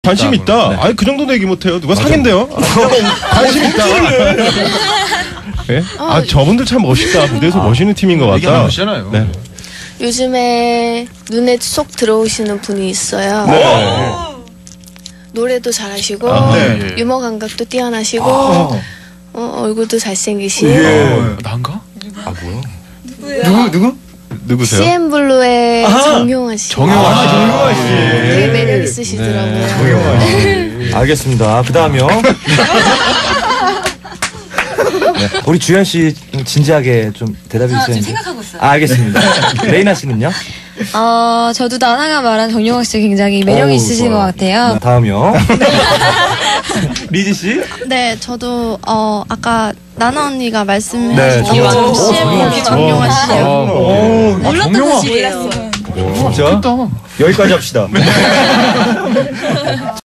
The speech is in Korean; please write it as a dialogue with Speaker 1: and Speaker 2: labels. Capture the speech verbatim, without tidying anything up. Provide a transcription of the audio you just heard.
Speaker 1: 관심 있다.
Speaker 2: 네.
Speaker 1: 아니 그 정도도 얘기 못해요. 누가 사귄대요? 관심 있다. 네? 아 저분들 참 멋있다. 무대에서 아, 멋있는 팀인 것
Speaker 2: 얘기
Speaker 1: 같다.
Speaker 2: 하시잖아요.
Speaker 1: 네.
Speaker 3: 요즘에 눈에 쏙 들어오시는 분이 있어요.
Speaker 1: 네.
Speaker 3: 노래도 잘하시고
Speaker 1: 아,
Speaker 2: 네.
Speaker 3: 유머 감각도 뛰어나시고
Speaker 2: 아.
Speaker 3: 어, 얼굴도 잘생기시고
Speaker 2: 예. 난가? 아 뭐야?
Speaker 4: 누구 누구?
Speaker 1: 누구세요?
Speaker 3: 씨엠블루의 정용화 씨.
Speaker 2: 정용화 씨.
Speaker 1: 정용화 씨.
Speaker 3: 되게 매력 있으시더라고요.
Speaker 4: 정용화 씨. 알겠습니다. 그 다음이요. 네. 우리 주현 씨 진지하게 좀 대답해 주세요.
Speaker 5: 지금 생각하고 있어요.
Speaker 4: 아, 알겠습니다. 레이나 씨는요?
Speaker 5: 어, 저도 나나가 말한 정용학 씨 굉장히 매력이
Speaker 4: 어우,
Speaker 5: 있으신
Speaker 4: 좋아요.
Speaker 5: 것 같아요.
Speaker 4: 네, 다음이요. 리지 씨?
Speaker 6: 네, 저도 어 아까 나나 언니가 말씀해
Speaker 4: 네,
Speaker 6: 주신 것처럼
Speaker 4: 정용화 씨.
Speaker 6: 씨엠블루 정용화 씨요.
Speaker 4: 오,
Speaker 5: 몰랐던 사실이에요.
Speaker 4: 진짜? 여기까지 합시다.